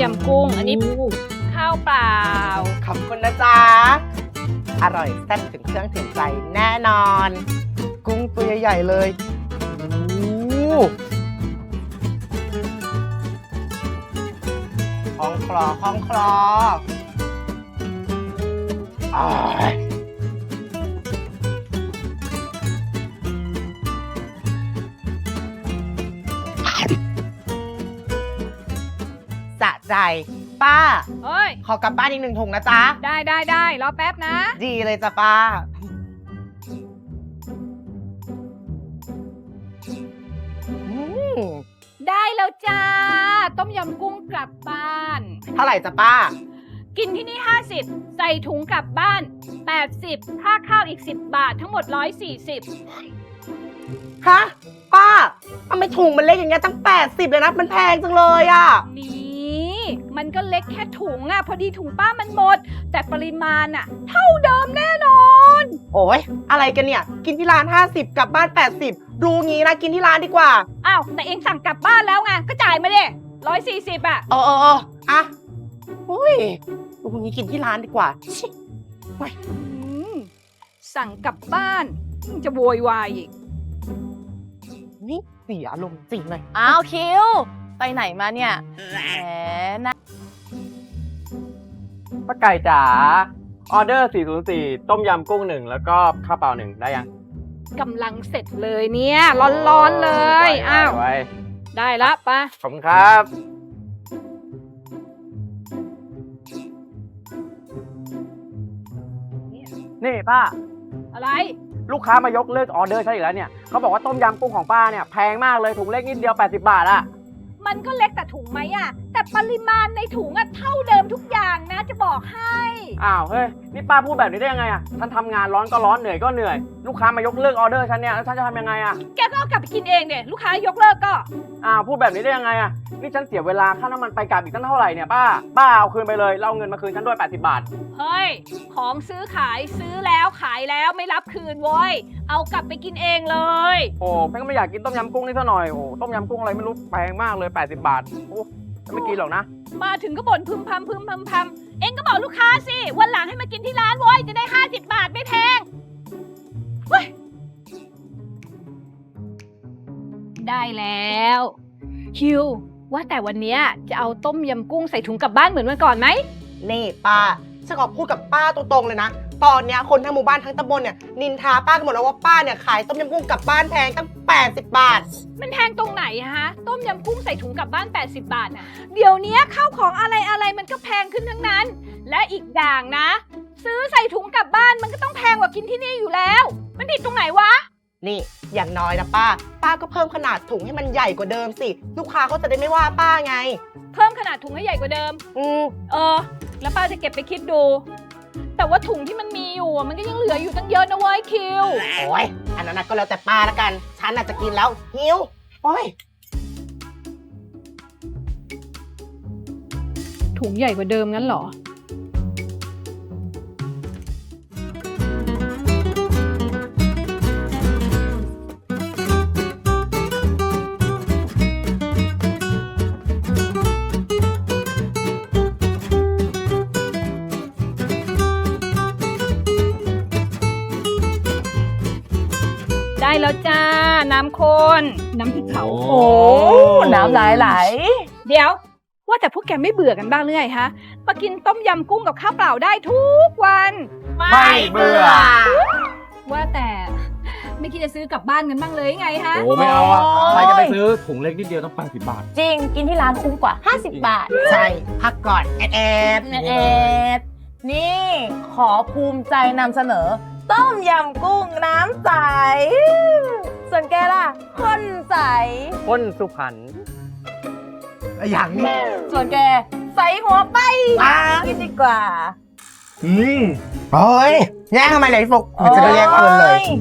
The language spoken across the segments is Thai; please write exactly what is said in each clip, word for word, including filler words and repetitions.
ยำกุ้งอันนี้ข้าวเปล่าขอบคุณนะจ๊ะอร่อยแซ่บถึงเครื่องถึงใจแน่นอน กุ้งตัวใหญ่ๆเลยห้องคลอห้องคลออ้ายสะใจป้าเฮ้ยขอกลับบ้านอีกหนึ่งถุงนะจ๊ะได้ได้ได้รอแป๊บนะดีเลยจ้ะป้าอืมได้แล้วจ้า ต้มยำกุ้งกลับบ้านเท่าไหร่จ้ะป้ากินที่นี่ห้าสิบใส่ถุงกลับบ้านแปดสิบค่าข้าวอีกสิบบาททั้งหมดหนึ่งร้อยสี่สิบฮะ ป้าทำไมถุงมันเล็กอย่างเงี้ยตั้งแปดสิบเลยนะ มันแพงจังเลยอ่ะนี่มันก็เล็กแค่ถุงอะพอดีถุงป้ามันหมด แต่ปริมาณอะเท่าเดิมแน่นอนโอ้ยอะไรกันเนี่ย กินที่ร้านห้าสิบกลับบ้านแปดสิบดูงี้นะกินที่ร้านดีกว่าอ้าวแต่เองสั่งกลับบ้านแล้วไงก็จ่ายมาดิร้อยสี่สิบอะเออเออเอออ่ะอุ้ยดูงี้กินที่ร้านดีกว่าชิโอ้ยอืมสั่งกลับบ้านยังจะโวยวายอีกนี่เสียอารมณ์จริงเลยอ้าวคิวไปไหนมาเนี่ยแหมนะป้าไก่จ๋าออเดอร์สี่ศูนย์สี่ต้มยำกุ้งหนึ่งแล้วก็ข้าวเปล่าหนึ่งได้ยังกำลังเสร็จเลยเนี่ย ร้อนๆเลยไว้อ้าวไว้ได้ละปะขอบคุณครับ นี่ป้าอะไรลูกค้ามายกเลิกออเดอร์ใช่อีกแล้วเนี่ยเขาบอกว่าต้มยำกุ้งของป้าเนี่ยแพงมากเลยถุงเล็กนิดเดียวแปดสิบบาทอะมันก็เล็กแต่ถุงไหมอะแต่ปริมาณในถุงอะเท่าเดิมทุกอย่างนะจะบอกให้อ้าวเฮ้ยนี่ป้าพูดแบบนี้ได้ยังไงอะฉันทำงานร้อนก็ร้อนเหนื่อยก็เหนื่อยลูกค้ามายกเลิกออเดอร์ฉันเนี่ยแล้วฉันจะทำยังไงอะแกก็เอากลับไปกินเองเนี่ยลูกค้ายกเลิกก็อ้าวพูดแบบนี้ได้ยังไงอะนี่ฉันเสียเวลาค่าน้ำมันไปกลับอีกตั้งเท่าไหร่เนี่ยป้าป้าเอาคืนไปเลยแล้วเอาเงินมาคืนฉันด้วยแปดสิบบาทเฮ้ยของซื้อขายซื้อแล้วขายแล้วไม่รับคืนโว้ยเอากลับไปกินเองเลยโอ้แม่งก็ไม่อยากกินต้มยำกุ้งนี่ซะหน่อยโอ้ต้มยำกุ้งอะไรไม่รู้แพงมากเลยแปดสิบบาทโอ้จะไม่กินหรอกนะมาถึงก็บ่นพึมพำพึมพำพำเองก็บอกลูกค้าสิวันหลังให้มากินที่ร้านโว้ยจะได้ห้าสิบบาทไม่แพงเฮ้ยได้แล้วคิวว่าแต่วันเนี้ยจะเอาต้มยำกุ้งใส่ถุงกลับบ้านเหมือนวันก่อนไหมนี่ป้าฉันขอพูดกับป้าตรงๆเลยนะ ตอนเนี้ยคนทั้งหมู่บ้านทั้งตำบลเนี่ยนินทาป้ากันหมดแล้วว่าป้าเนี่ยขายต้มยำกุ้งกลับบ้านแพงตั้งแปดสิบบาทมันแพงตรงไหนฮะต้มยำกุ้งใส่ถุงกลับบ้านแปดสิบบาทน่ะเดี๋ยวนี้ข้าวของอะไรอะไรมันก็แพงขึ้นทั้งนั้น และอีกอย่างนะ ซื้อใส่ถุงกลับบ้านมันก็ต้องแพงกว่ากินที่นี่อยู่แล้ว มันผิดตรงไหนวะนี่อย่างน้อยนะป้า ป้าก็เพิ่มขนาดถุงให้มันใหญ่กว่าเดิมสิ ลูกค้าเขาจะได้ไม่ว่าป้าไงเพิ่มขนาดถุงให้ใหญ่กว่าเดิมอืมเออ แล้วป้าจะเก็บไปคิดดู แต่ว่าถุงที่มันมีอยู่อะมันก็ยังเหลืออยู่ตั้งเยอะนะเว้ยคิวโอ้ยอันนั้นนะก็แล้วแต่ป้าละกัน ฉันอาจจะกินแล้วหิวโอ้ยถุงใหญ่กว่าเดิมงั้นเหรอ ได้แล้วจ้า น้ำข้นน้ำพริกเผาโอ้น้ำไหลไหลเดี๋ยว ว่าแต่พวกแกไม่เบื่อกันบ้างหรือไงฮะมากินต้มยำกุ้งกับข้าวเปล่าได้ทุกวันไม่เบื่อว่าแต่ไม่คิดจะซื้อกลับบ้านกันบ้างเลยไงฮะโอ้ไม่เอาอะโอ้ยใครจะไปซื้อถุงเล็กนิดเดียวต้องแปดสิบบาทจริงกินที่ร้านคุ้มกว่าห้าสิบบาทใช่ พักก่อนแอดแอดเอ็ดนี่ขอภูมิใจนำเสนอ ต้มยำกุ้งน้ำใส ส่วนแกล่ะข้นใสคนสุพรรณอย่างนี้ส่วนแกใสหัวไปป้ากินดีกว่าอืมโอ้ยแย่งทำไมเลยฟุกมันจะได้แย่งคนเลยโอ้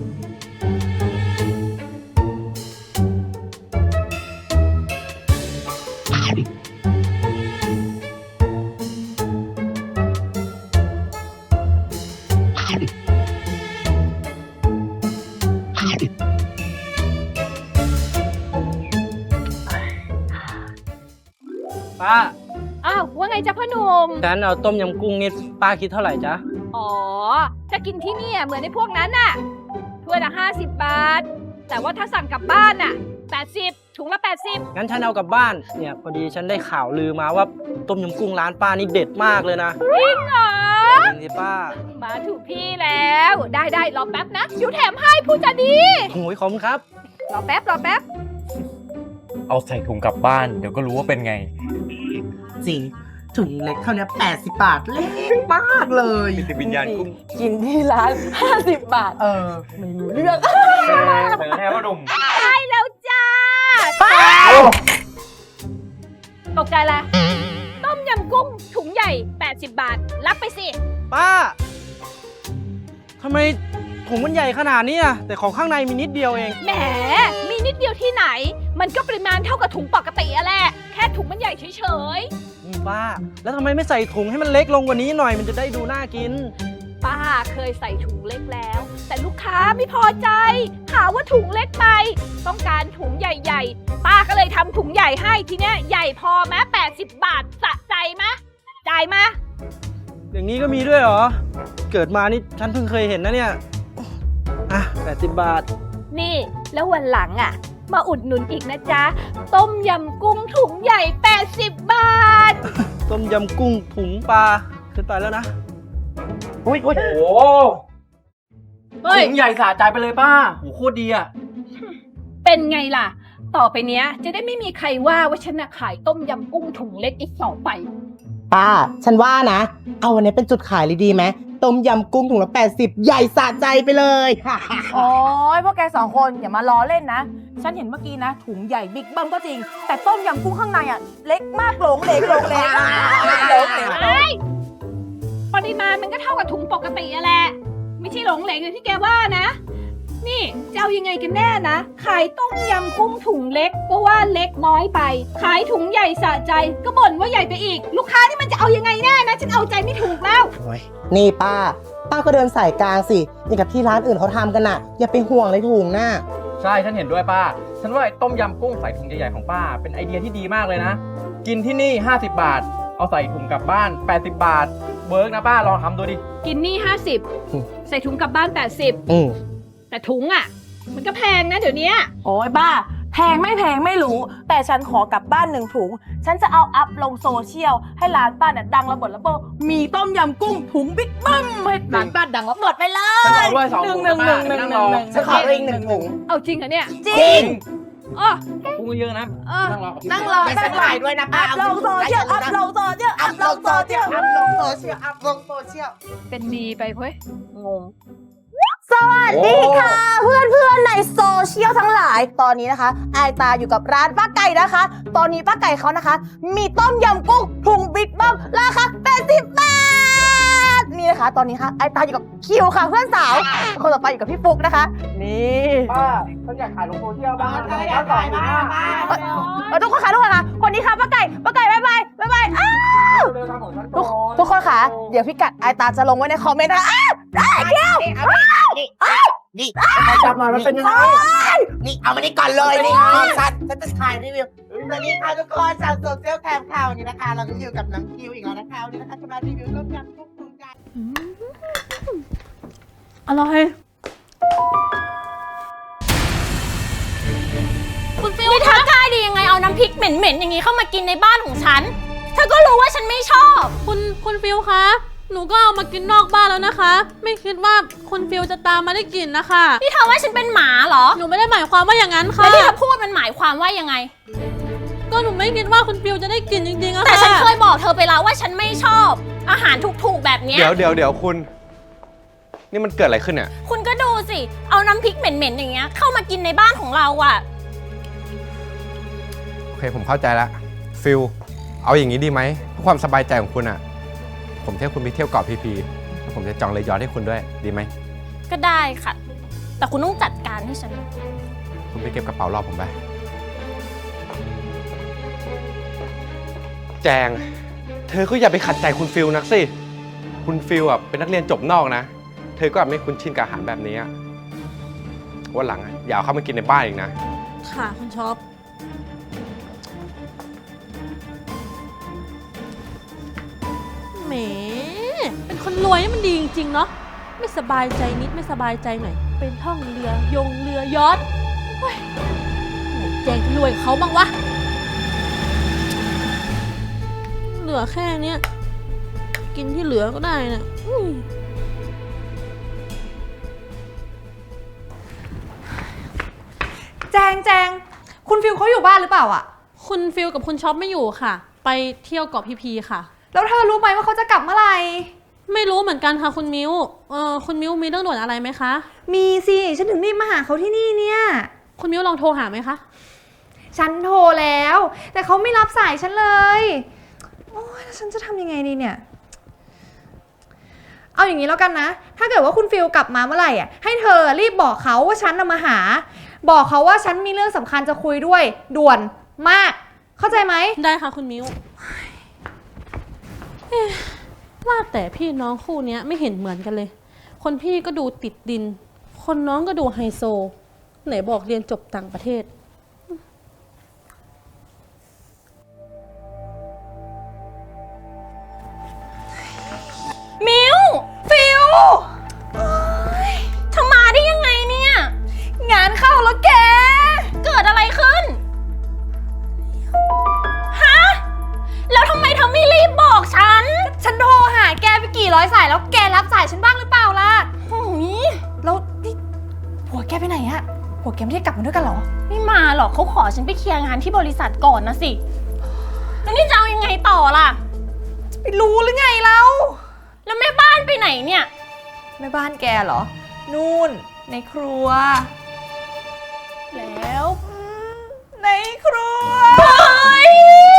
ป้าอ้าวาวว่าไงจ๊ะพ่อหนุ่มงั้นเอาต้มยำกุ้งนี่ป้าคิดเท่าไหร่จ๊ะอ๋อ จะกินที่นี่อะเหมือนในพวกนั้นน่ะถ้วยละห้าสิบบาท แต่ว่าถ้าสั่งกลับบ้านน่ะแปดสิบถุงละแปดสิบงั้นฉันเอากลับบ้าน เนี่ยพอดีฉันได้ข่าวลือมาว่าต้มยำกุ้งร้านป้านี่เด็ดมากเลยนะจริงเหรอจริงสิป้ามาถูกที่แล้ว ได้ได้รอแป๊บนะเดี๋ยวแถมให้ผู้จะดีโอ้ยขอบคุณครับรอแป๊บรอแป๊บเอาใส่ถุงกลับบ้าน เดี๋ยวก็รู้ว่าเป็นไงจริงถุงเล็กเท่านี้แปดสิบบาทเล็กมากเลยเป็นวิญญาณกุ้งกินที่ร้าน ห้าสิบบาทเออไม่รู้เรื่องเสนอแน่ว่าหนุ่มได้แล้วจ้าตกใจละต้มยำกุ้งถุงใหญ่แปดสิบบาท รับไปสิป้าทำไมถุงมันใหญ่ขนาดนี้อะแต่ของข้างในมีนิดเดียวเองแหม มีนิดเดียวที่ไหน มันก็ปริมาณเท่ากับถุงปกติอะแหละ แค่ถุงมันใหญ่เฉยอืมป้า แล้วทำไมไม่ใส่ถุงให้มันเล็กลงกว่านี้หน่อยมันจะได้ดูน่ากินๆ ป้าเคยใส่ถุงเล็กแล้ว แต่ลูกค้าไม่พอใจ หาว่าถุงเล็กไป ต้องการถุงใหญ่ๆ ป้าก็เลยทำถุงใหญ่ให้ทีเนี้ยใหญ่พอไหมแปดสิบบาทสะใจไหมจ่ายมาอย่างนี้ก็มีด้วยเหรอ เกิดมานี่ฉันเพิ่งเคยเห็นนะเนี่ย อ่ะแปดสิบบาทนี่แล้ววันหลังอ่ะ มาอุดหนุนอีกนะจ๊ะ ต้มยำกุ้งถุงใหญ่แปดสิบบาทต้มยำกุ้งถุงปลาขึ้นไปแล้วนะอุ้ยอุ้ยโอ้เฮ้ยถุงใหญ่สะใจไปเลยป้าโหโคตรดีอ่ะเป็นไงล่ะ ต่อไปเนี้ยจะได้ไม่มีใครว่าว่าฉันน่ะขายต้มยำกุ้งถุงเล็กอีกต่อไปป้า ฉันว่านะ เอาวันนี้เป็นจุดขายเลยดีไหมต้มยำกุ้งถุงละแปดสิบใหญ่สะใจไปเลยโอ้ยพวกแกสองคนอย่ามาล้อเล่นนะ ฉันเห็นเมื่อกี้นะ ถุงใหญ่บิ๊กเบิ้มก็จริง แต่ต้มยำกุ้งข้างในอ่ะ เล็กมากหลงเหลงหลงเหลงหลงเหลงเอ้ยปริมาณมันก็เท่ากับถุงปกติอะแหละ ไม่ใช่หลงเหลงอย่างที่แกว่านะ นี่จะเอายังไงกันแน่นะ ขายต้มยำกุ้งถุงเล็กก็ว่าเล็กน้อยไป ขายถุงใหญ่สะใจก็บ่นว่าใหญ่ไปอีก ลูกค้านี่มันจะเอายังไงแน่นะ ฉันเอาใจไม่ถูกแล้วนี่ป้า ป้าก็เดินสายกลางสิอย่างกับที่ร้านอื่นเขาทำกันน่ะ อย่าไปห่วงเลยถุงน่ะใช่ฉันเห็นด้วยป้า ฉันว่าไอ้ต้มยำกุ้งใส่ถุงใหญ่ๆของป้า เป็นไอเดียที่ดีมากเลยนะ กินที่นี่ห้าสิบบาท เอาใส่ถุงกลับบ้านแปดสิบบาทเวิร์กนะป้าลองทำดูดิกินนี่ห้าสิบใส่ถุงกลับบ้านแปดสิบอืมแต่ถุงอ่ะ มันก็แพงนะเดี๋ยวนี้โอ้ยบ้า แพงไม่แพงไม่รู้ แต่ฉันขอกลับบ้านหนึ่งถุง ฉันจะเอาอัพลงโซเชียล ให้ร้านป้าเนี่ยดังระเบิดระเบ้อมีต้มยำกุ้งถุงบิ๊กเบิ้มให้ร้านป้าดังระเบิดไปเลฉันยเอาด้วยสองหนึ่ถุงงหนึ่งหนึ่งหป้านึ่งนั่งหรนึ่องหนึ่งฉันขอเองหนึ่งถุงเอาจริงเหรอเนี่ยจริงอ๋อกุ้งเยอะๆนะเออนั่งรอกับพี่นั่งรอไม่นั่ใช่งรอขายด้วยนะป้าอัพลงโซเชียลอัพลงโซเชียลอัอัพพลลงงโซโซเชีเชียยลลอัพลงโซเชียลอัพลงโซเชียลเป็นดีไปเว้ยงง สวัสดีค่ะ เพื่อนเพื่อนๆในโซเชียลทั้งหลาย ตอนนี้นะคะไอายตาอยู่กับร้านป้าไก่นะคะ ตอนนี้ป้าไก่เขานะคะ มีต้มยำกุ้งถุงบิ๊กบัมราคาแปดสิบบาท นี่นะคะ ตอนนี้ค่ะไอายตาอยู่กับคิวค่ะเพื่อนสาว คนต่อไปอยู่กับพี่ฟุกนะคะ นี่ป้าฉันอยากขายลงโซเชียลบ้างป้าอยากขายบ้างเออทุกคนค่ะทุกคนค่ะ คนนี้ค่ะป้าไก่ป้าไก่บ๊ายบายบ๊ายบายอ้าวเร็วๆทำของฉันทุกก่อนทุกคนค่ะ เดี๋ยวพี่กัดไอายตาจะลงไว้ในคอมเมนต์นะคะอ้าวได้เดี๋ยวนี่เอานี่นี่จับหน่อยมันเป็นยังไงนี่เอามานี่ก่อนเลยนี่ฉันฉันจะถ่ายรีวิวสวัสดีค่ะทุกคนจากโซเชียลแคมข่าวนี้นะคะ เราก็อยู่กับน้องคิวอีกแล้วนะคะวันนี้นะคะจะมารีวิวต้มยำกุ้งถุงใหญ่อร่อยคุณฟิลนี่เธอกล้าดียังไงเอาน้ำพริกเหม็นๆอย่างนี้เข้ามากินในบ้านของฉัน เธอก็รู้ว่าฉันไม่ชอบคุณคุณฟิลคะ หนูก็เอามากินนอกบ้านแล้วนะคะ ไม่คิดว่าคุณฟิลจะตามมาได้กลิ่นนะคะนี่เธอว่าฉันเป็นหมาเหรอหนูไม่ได้หมายความว่าอย่างนั้นค่ะแล้วที่เธอพูดมันหมายความว่ายังไงก็หนูไม่คิดว่าคุณฟิลจะได้กลิ่นจริงๆอะค่ะแต่ฉันเคยบอกเธอไปแล้วว่าฉันไม่ชอบ อาหารถูกๆแบบเนี้ยเดี๋ยวเดี๋ยวเดี๋ยวคุณ นี่มันเกิดอะไรขึ้นเนี่ยคุณก็ดูสิ เอาน้ำพริกเหม็นๆอย่างเงี้ยเข้ามากินในบ้านของเราอะโอเคผมเข้าใจแล้วฟิลเอาอย่างนี้ดีไหมเพื่อความสบายใจของคุณอ่ะ ผมเที่ยวคุณไปเที่ยวเกาะพีพีแล้วผมจะจองเลยยอทให้คุณด้วยดีไหมก็ได้ค่ะ แต่คุณต้องจัดการให้ฉันคุณไปเก็บกระเป๋ารอผมไปแจง เธอก็อย่าไปขัดใจคุณฟิลนักสิคุณฟิลอ่ะเป็นนักเรียนจบนอกนะ เธอก็อาจไม่คุ้นชินกับอาหารแบบนี้อะวันหลังอะอย่าเอาเข้ามากินในบ้านอีกนะค่ะคุณช็อปแหม เป็นคนรวยนี่มันดีจริงๆเนาะ ไม่สบายใจนิดไม่สบายใจหน่อย เป็นท่องเรือยงเรือยอทเฮ้ยไหนแจงจะรวยกับเขาบ้างวะ เหลือแค่เนี้ย กินที่เหลือก็ได้นะอุ้ยแจงแจงคุณฟิลเขาอยู่บ้านหรือเปล่าอะคุณฟิลกับคุณช็อปไม่อยู่ค่ะ ไปเที่ยวเกาะพีพีค่ะแล้วเธอรู้ไหมว่าเขาจะกลับเมื่อไหร่ไม่รู้เหมือนกันค่ะคุณมิวเออคุณมิวมีเรื่องด่วนอะไรไหมคะมีสิฉันถึงรีบมาหาเขาที่นี่เนี่ยคุณมิวลองโทรหาไหมคะฉันโทรแล้ว แต่เขาไม่รับสายฉันเลย โอ้ยแล้วฉันจะทำยังไงดีเนี่ย เอาอย่างนี้แล้วกันนะ ถ้าเกิดว่าคุณฟิลกลับมาเมื่อไหร่อ่ะให้เธอรีบบอกเขาว่าฉันน่ะมาหา บอกเขาว่าฉันมีเรื่องสำคัญจะคุยด้วย ด่วนมาก เข้าใจไหมได้ค่ะคุณมิวเอ๊ะว่าแต่พี่น้องคู่เนี้ยไม่เห็นเหมือนกันเลย คนพี่ก็ดูติดดิน คนน้องก็ดูไฮโซ ไหนบอกเรียนจบต่างประเทศมิวฟิวเธอมาได้ยังไงเนี่ยงานเข้าแล้วแกเกิดอะไรขึ้น ฮะ แล้วทำไมเธอไม่รีบบอกฉันฉันโทรหาแกไปกี่ร้อยสายแล้วแกรับสายฉันบ้างหรือเปล่าล่ะโอ้ยแล้วนี่ผัวแกไปไหนอะผัวแกไม่ได้กลับมาด้วยกันเหรอไม่มาหรอกเขาขอฉันไปเคลียร์งานที่บริษัทก่อนนะสิ แล้วนี่จะเอายังไงต่อล่ะไม่รู้หรือไงเราแล้วแม่บ้านไปไหนเนี่ยแม่บ้านแกเหรอ นู่นในครัวแล้วในครัวเฮ้ย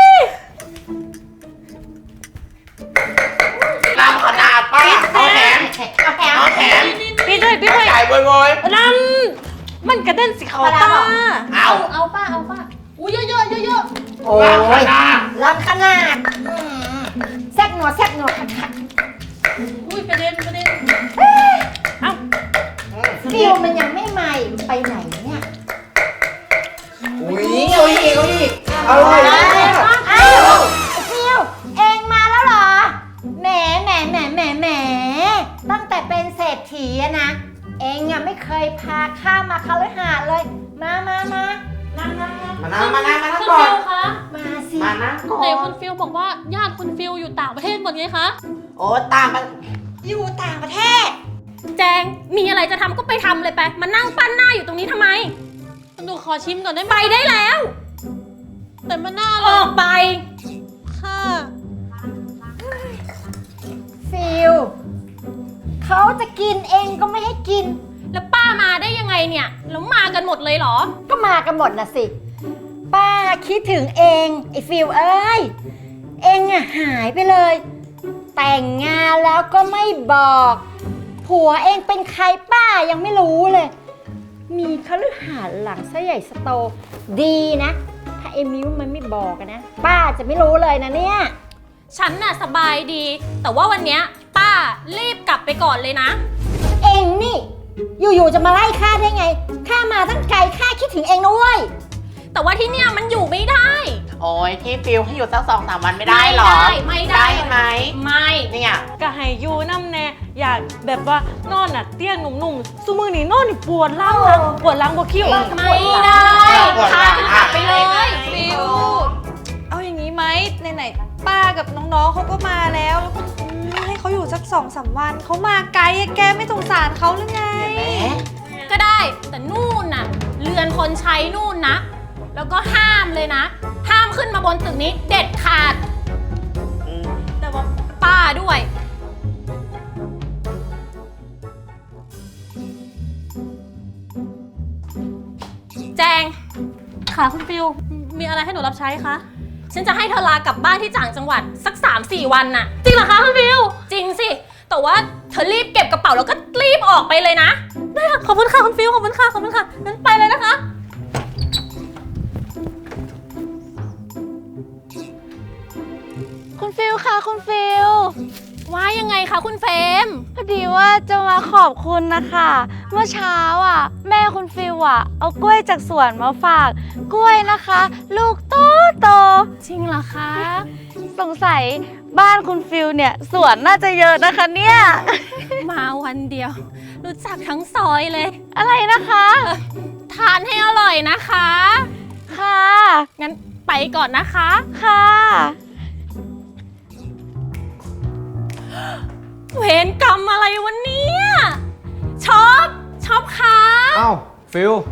ตามขนาดป้าเอาแถมเอาแถมพี่ด้วยพี่ด้วยจ่ายโวยนั่นมันกระเด็นสิเขาตาๆเอาเอาป้าเอาป้าอุ้ยเยอะๆเยอะโอ้ยรักขนาดแซกหนวดแซกหนวดขัดขัดๆอุ้ยกระเด็นกระเด็นฟิวมันยังไม่ใหม่ไปไหนเนี่ยอุ้ยเอาอีกเอาอีกอร่อยนะอ้าวฟิวเองมาแล้วเหรอ แหมแหมแหมแหมแหมตั้งแต่เป็นเศรษฐีอะนะ เองอะไม่เคยพาข้ามาคฤหาสน์เลย มามามานั่งนั่งนั่งมานั่งมานั่งมานั่งคุณก่อฟินลคะมาสิมานั่งก่อไหนนคุณฟิลบอกว่าญาติคุณฟิลอยู่ต่างประเทศหมดไงคะโอ้ตามมาอยู่ต่างประเทศแจง มีอะไรจะทำก็ไปทำเลยไป มานั่งปั้นหน้าอยู่ตรงนี้ทำไมหนูขอชิมก่อนได้ไหมไปได้แล้วแต่มันน่าอรัอก กไปค่ะฟิลเขาจะกินเองก็ไม่ให้กินแล้วป้ามาได้ยังไงเนี่ย แล้วมากันหมดเลยเหรอก็มากันหมดนะสิ ป้าคิดถึงเองไอ้ฟิลเอ้ย เองอะหายไปเลย แต่งงานแล้วก็ไม่บอก ผัวเองเป็นใครป้ายังไม่รู้เลย มีคฤหาสน์หลังซะใหญ่สโตดีนะ ถ้าไอ้มิ้วมันไม่บอกอะนะ ป้าจะไม่รู้เลยนะเนี่ยฉันน่ะสบายดี แต่ว่าวันเนี้ยป้ารีบกลับไปก่อนเลยนะเองนี่ อยู่ๆจะมาไล่ข้าได้ไง ข้ามาตั้งไกลข้าคิดถึงเองนะเว้ยแต่ว่าที่เนี่ยมันอยู่ไม่ได้โอ้ยที่ฟิลให้อยู่สักสองสามวันไม่ได้หรอไม่ได้ไหมไม่เนี่ยก็ให้ยูน้ำแน่อยากแบบว่านอนอ่ะเตียงหนุ่มๆซูมือนี่นอนนี่ปวดหล่างนะปวดหล่างปวดคิ้วไม่ได้พากันกลับไปเลยฟิว เอาอย่างนี้ไหมไหนๆป้ากับน้องๆเขาก็มาแล้วแล้วก็ให้เขาอยู่สักสองสามวันเขามาไกลอะแกไม่สงสารเขาหรือไงก็ได้แต่นู่นน่ะเรือนคนใช้นู่นนะ แล้วก็ห้ามเลยนะ ห้ามขึ้นมาบนตึกนี้เด็ดขาด แต่ว่าป้าด้วย แจงค่ะคุณฟิลมีอะไรให้หนูรับใช้คะฉันจะให้เธอลากลับบ้านที่ต่างจังหวัดสัก สามสี่ วันน่ะจริงเหรอคะคุณฟิลจริงสิ แต่ว่าเธอรีบเก็บกระเป๋าแล้วก็รีบออกไปเลยนะได้ค่ะขอบคุณค่ะคุณฟิลขอบคุณค่ะขอบคุณค่ะงั้นไปเลยนะคะคุณฟิลค่ะคุณฟิลว่ายังไงคะคุณเฟรมพอดีว่าจะมาขอบคุณนะคะ เมื่อเช้าอ่ะ แม่คุณฟิลอ่ะ เอากล้วยจากสวนมาฝาก กล้วยนะคะ ลูกโตโตจริงเหรอคะสงสัยบ้านคุณฟิลเนี่ยสวนน่าจะเยอะนะคะเนี่ยมาวันเดียว รู้จักทั้งซอยเลยอะไรนะคะทานให้อร่อยนะคะค่ะงั้นไปก่อนนะคะค่ะเวรกรรมอะไรวันนี้ช็อปช็อปคะเอ้าฟิล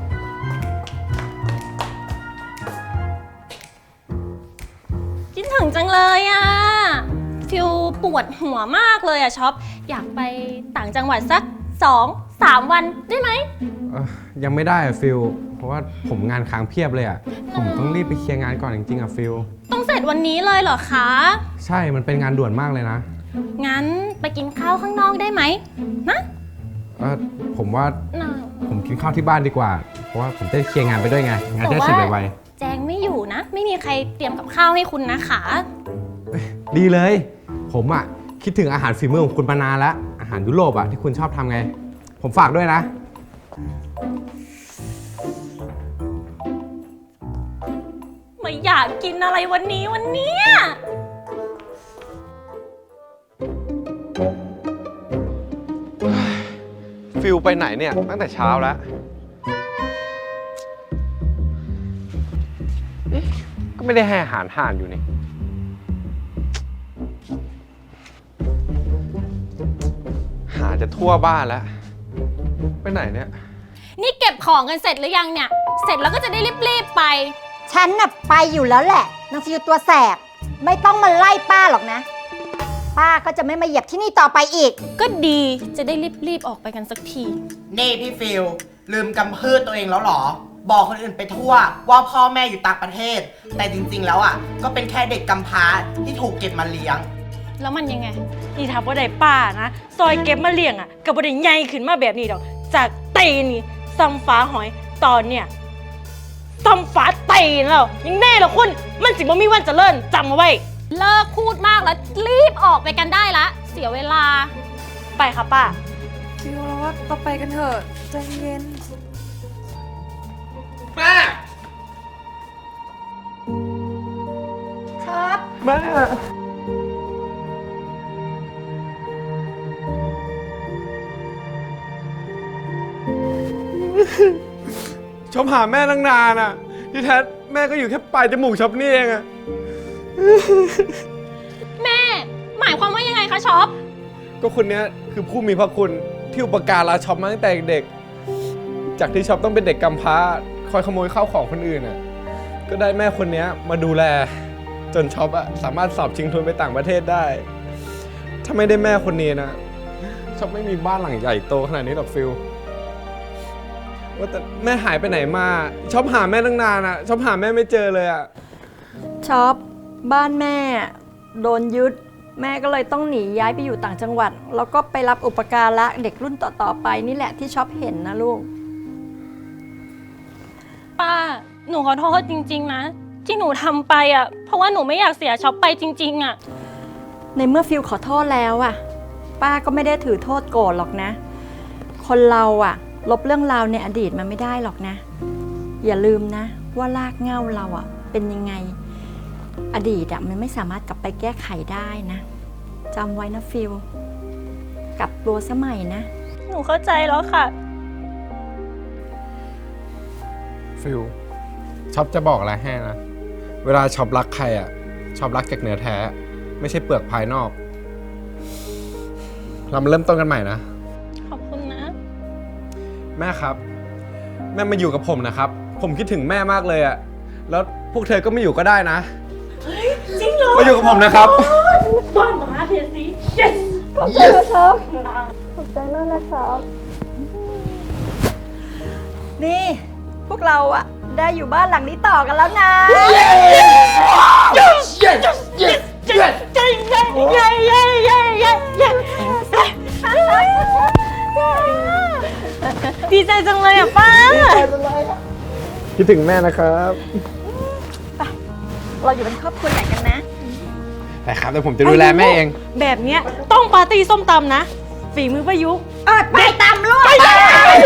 คิดถึงจังเลยอะฟิลปวดหัวมากเลยอะช็อปอยากไปต่างจังหวัดสักสองสามวันได้ไหมเอ่อยังไม่ได้อะฟิลเพราะว่าผมงานค้างเพียบเลยอะผมต้องรีบไปเคลียร์งานก่อนจริงๆอะฟิลต้องเสร็จวันนี้เลยเหรอคะใช่มันเป็นงานด่วนมากเลยนะงั้นไปกินข้าวข้างนอกได้ไหมนะเออผมว่าน่ะผมกินข้าวที่บ้านดีกว่า เพราะว่าผมจะได้เคลียร์งานไปด้วยไงงานจะได้เสร็จไวแจงไม่อยู่นะ ไม่มีใครเตรียมกับข้าวให้คุณนะคะๆดีเลย ผมอะคิดถึงอาหารฝีมือของคุณมานานแล้วอาหารยุโรปอะที่คุณชอบทำไง ผมฝากด้วยนะไม่อยากกินอะไรวันนี้วันเนี้ยฟิลไปไหนเนี่ยตั้งแต่เช้าแล้วเอ๊ะก็ไม่ได้ให้อาหารห่านอยู่นี่ หาจะทั่วบ้านแล้ว ไปไหนเนี่ยนี่เก็บของกันเสร็จหรือยังเนี่ย เสร็จแล้วก็จะได้รีบๆไปฉันน่ะไปอยู่แล้วแหละนางฟิวตัวแสบไม่ต้องมาไล่ป้าหรอกนะ ป้าก็จะไม่มาเหยียบที่นี่ต่อไปอีกก็ดีจะได้รีบๆออกไปกันสักทีนี่พี่ฟิลลืมกำพืชตัวเองแล้วเหรอ บอกคนอื่นไปทั่วว่าพ่อแม่อยู่ต่างประเทศ แต่จริงๆแล้วอ่ะก็เป็นแค่เด็กกำพร้าที่ถูกเก็บมาเลี้ยงแล้วมันยังไงนี่ถ้าบ่ได้ป้านะ ซอยเก็บมาเลี้ยงอ่ะก็บ่ได้ใหญ่ขึ้นมาแบบนี้ดอก จากตีนนี่ซ้ำฟ้าหอยตอนเนี่ยซ้ำฟ้าตีนแล้วยังแน่เหรอคุณ มันสิบ่มีวันเจริญจำเอาไว้เลิกพูดมากแล้วรีบออกไปกันได้ละ เสียเวลาไปค่ะป้าฟิลเราว่าเราไปกันเถอะใจเย็นแม่ครับแม่ชอบหาแม่ตั้งนานอ่ะ ที่แท้แม่ก็อยู่แค่ปลายจมูกชอบนี่เองอ่ะแม่ หมายความว่ายังไงคะช็อปก็คนเนี้ยคือผู้มีพระคุณที่อุปการะช็อปมาตั้งแต่เด็ก จากที่ช็อปต้องเป็นเด็กกำพร้าคอยขโมยข้าวของคนอื่นอ่ะ ก็ได้แม่คนเนี้ยมาดูแล จนช็อปอะสามารถสอบชิงทุนไปต่างประเทศได้ ถ้าไม่ได้แม่คนนี้นะช็อปไม่มีบ้านหลังใหญ่โตขนาดนี้หรอกฟิลว่าแต่แม่หายไปไหนมาช็อปหาแม่ตั้งนานอะช็อปหาแม่ไม่เจอเลยอะช็อปบ้านแม่โดนยึดแม่ก็เลยต้องหนีย้ายไปอยู่ต่างจังหวัด แล้วก็ไปรับอุปการะเด็กรุ่นต่อๆไปนี่แหละที่ช็อปเห็นนะลูกป้า หนูขอโทษจริงๆนะ ที่หนูทำไปอ่ะ เพราะว่าหนูไม่อยากเสียช็อปไปจริงๆอ่ะในเมื่อฟิลขอโทษแล้วอะป้าก็ไม่ได้ถือโทษโกรธหรอกนะ คนเราอะลบเรื่องราวในอดีตมันไม่ได้หรอกนะ อย่าลืมนะว่ารากเหง้าเราอะเป็นยังไง อดีตอะมันไม่สามารถกลับไปแก้ไขได้นะจำไว้นะฟิลกลับตัวสมัยนะหนูเข้าใจแล้วค่ะฟิลช็อปจะบอกอะไรให้นะเวลาช็อปรักใครอะช็อปรักจากเนื้อแท้ไม่ใช่เปลือกภายนอก เรามาเริ่มต้นกันใหม่นะขอบคุณนะแม่ครับ แม่มาอยู่กับผมนะครับ ผมคิดถึงแม่มากเลยอะแล้วพวกเธอก็ไม่อยู่ก็ได้นะจริงเหรอมาอยู่กับผมนะครับบ้านหมาเทียสี yes ขอบใจนะครับขอบใจมากนะครับ นี่พวกเราอะได้อยู่บ้านหลังนี้ต่อกันแล้วนะดีใจจังเลยอ่ะป้าคิดถึงแม่นะครับเราอยู่เป็นครอบครัวใหญ่กันนะแต่ครับแต่ผมจะดูแลแม่เองแบบเนี้ยต้องปาร์ตี้ส้มตำนะ ฝีมือประยุกต์เออไปตามลูกไปเลย